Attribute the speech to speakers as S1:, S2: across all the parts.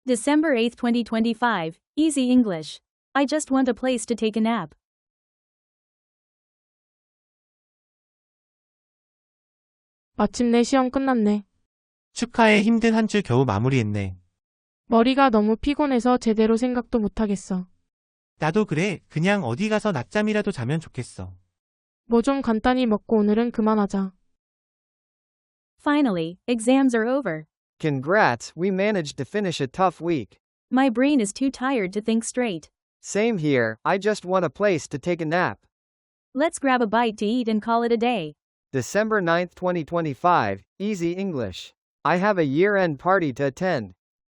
S1: December 8, 2025. Easy English. I just want a place to take a nap.
S2: 마침내 시험 끝났네.
S3: 축하해. 힘든 한 주 겨우 마무리했네.
S2: 머리가 너무 피곤해서 제대로 생각도 못하겠어.
S3: 나도 그래. 그냥 어디 가서 낮잠이라도 자면 좋겠어.
S2: 뭐 좀 간단히 먹고 오늘은 그만하자.
S1: Finally, exams are over.
S4: Congrats, we managed to finish a tough week.
S1: My brain is too tired to think straight.
S4: Same here, I just want a place to take a nap.
S1: Let's grab a bite to eat and call it a day.
S4: December 9th, 2025, Easy English. I have a year-end party to attend.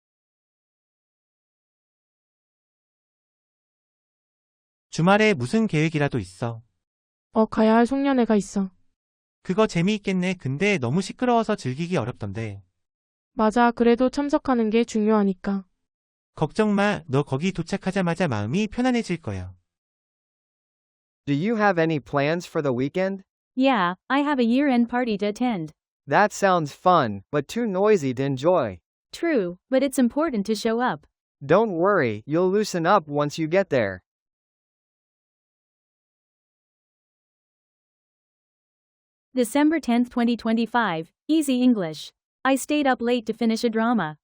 S3: 주말에 무슨 계획이라도 있어?
S2: 가야 할 송년회가 있어.
S3: 그거 재미있겠네. 근데 너무 시끄러워서 즐기기 어렵던데.
S2: 맞아, 그래도 참석하는 게 중요하니까.
S3: 걱정 마. 너 거기 도착하자마자 마음이 편안해질 거야.
S4: Do you have any plans for the weekend?
S1: Yeah, I have a year-end party to attend.
S4: That sounds fun, but too noisy to enjoy.
S1: True, but it's important to show up.
S4: Don't worry, you'll loosen up once you get there.
S1: December 10th, 2025. Easy English. I stayed up late to finish a drama.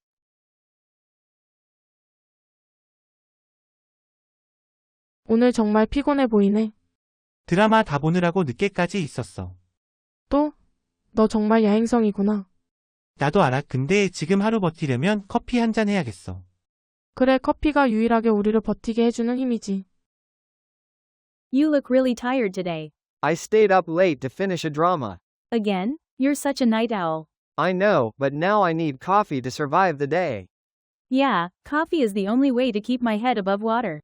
S2: 오늘 정말 피곤해 보이네.
S3: 드라마 다 보느라고 늦게까지 있었어.
S2: 또? 너 정말 야행성이구나.
S3: 나도 알아. 근데 지금 하루 버티려면 커피 한 잔 해야겠어.
S2: 그래, 커피가 유일하게 우리를 버티게 해주는 힘이지.
S1: You look really tired today.
S4: I stayed up late to finish a drama.
S1: Again? You're such a night owl.
S4: I know, but now I need coffee to survive the day.
S1: Yeah, coffee is the only way to keep my head above water.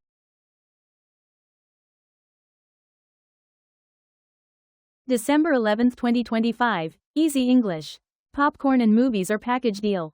S1: December 11th, 2025. Easy English. Popcorn and movies are package deal.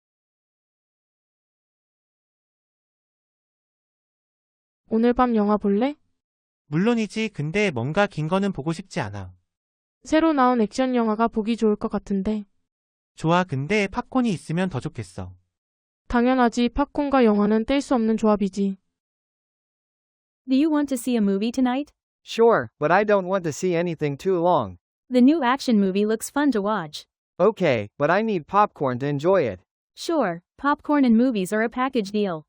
S2: 오늘 밤 영화 볼래?
S3: 물론이지. 근데 뭔가 긴 거는 보고 싶지 않아.
S2: 새로 나온 액션 영화가 보기 좋을 것 같은데.
S3: 좋아. 근데 팝콘이 있으면 더 좋겠어.
S2: 당연하지. 팝콘과 영화는 뗄 수 없는 조합이지.
S1: Do you want to see a movie tonight?
S4: Sure, but I don't want to see anything too long.
S1: The new action movie looks fun to watch.
S4: Okay, but I need popcorn to enjoy it.
S1: Sure, popcorn and movies are a package deal.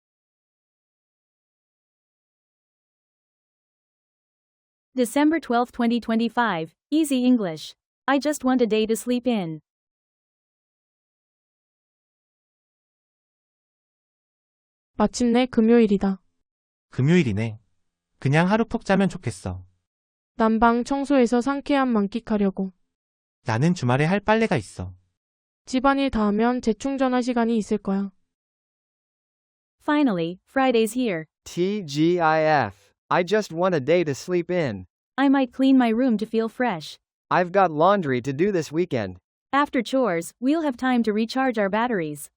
S1: December 12th, 2025. Easy English. I just want a day to sleep in.
S2: 마침내 금요일이다.
S3: 금요일이네. 그냥 하루 푹 자면 좋겠어.
S2: 난방 청소해서 상쾌함 만끽하려고.
S3: 나는 주말에 할 빨래가 있어.
S2: 집안일 다 하면 재충전할 시간이 있을 거야.
S1: Finally, Friday's here.
S4: TGIF. I just want a day to sleep in.
S1: I might clean my room to feel fresh.
S4: I've got laundry to do this weekend.
S1: After chores, we'll have time to recharge our batteries.